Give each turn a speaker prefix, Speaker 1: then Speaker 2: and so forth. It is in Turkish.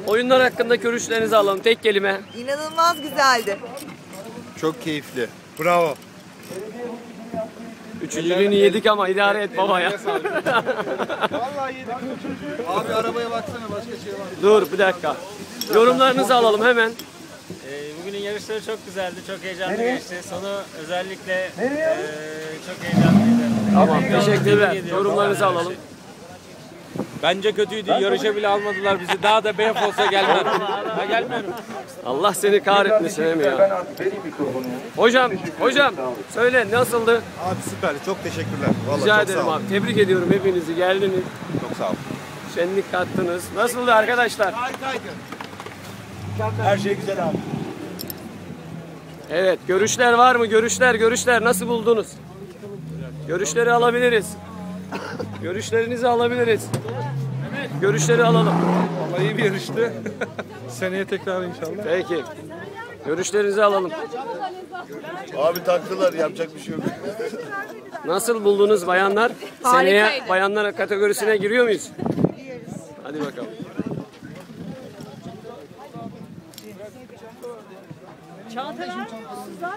Speaker 1: Oyunlar hakkında görüşlerinizi alalım. Tek kelime.
Speaker 2: İnanılmaz güzeldi.
Speaker 3: Çok keyifli. Bravo.
Speaker 1: Üçüncülüğünü yedik ama idare et baba ya.
Speaker 3: Vallahi yedik. Abi arabaya baksana, başka şey var.
Speaker 1: Dur bir dakika. Yorumlarınızı alalım hemen.
Speaker 4: Bugünün yarışları çok güzeldi, çok heyecanlı geçti. Sonu özellikle çok heyecanlıydı.
Speaker 1: Tamam, teşekkürler.
Speaker 4: Tebrik ediyorum.
Speaker 1: Yorumlarınızı alalım.
Speaker 5: Bence kötüydü. Yarışa bile almadılar bizi. Daha da BF olsa gelmem. Ha, gelmiyorum.
Speaker 1: Allah seni kahretmesin Emi ya. Hocam söyle nasıldı?
Speaker 3: Abi süper. Çok teşekkürler. Vallahi
Speaker 1: Rica
Speaker 3: çok
Speaker 1: ederim
Speaker 3: sağ ol.
Speaker 1: abi. Tebrik ediyorum hepinizi. Geldiniz.
Speaker 3: Çok sağ ol.
Speaker 1: Şenlik kattınız. Nasıldı arkadaşlar?
Speaker 3: Her şey güzel abi.
Speaker 1: Evet, görüşler var mı? Görüşler nasıl buldunuz? Görüşleri alabiliriz. Görüşlerinizi alabiliriz. Görüşleri alalım.
Speaker 6: Vallahi iyi bir yarıştı. Seneye tekrar inşallah.
Speaker 1: Peki. Görüşlerinizi alalım.
Speaker 3: Abi taktılar, yapacak bir şey yok.
Speaker 1: Nasıl buldunuz bayanlar?
Speaker 2: Harikaydı.
Speaker 1: Seneye bayanlar kategorisine giriyor muyuz? Hadi bakalım.
Speaker 2: Çanta vermiyor musunuz?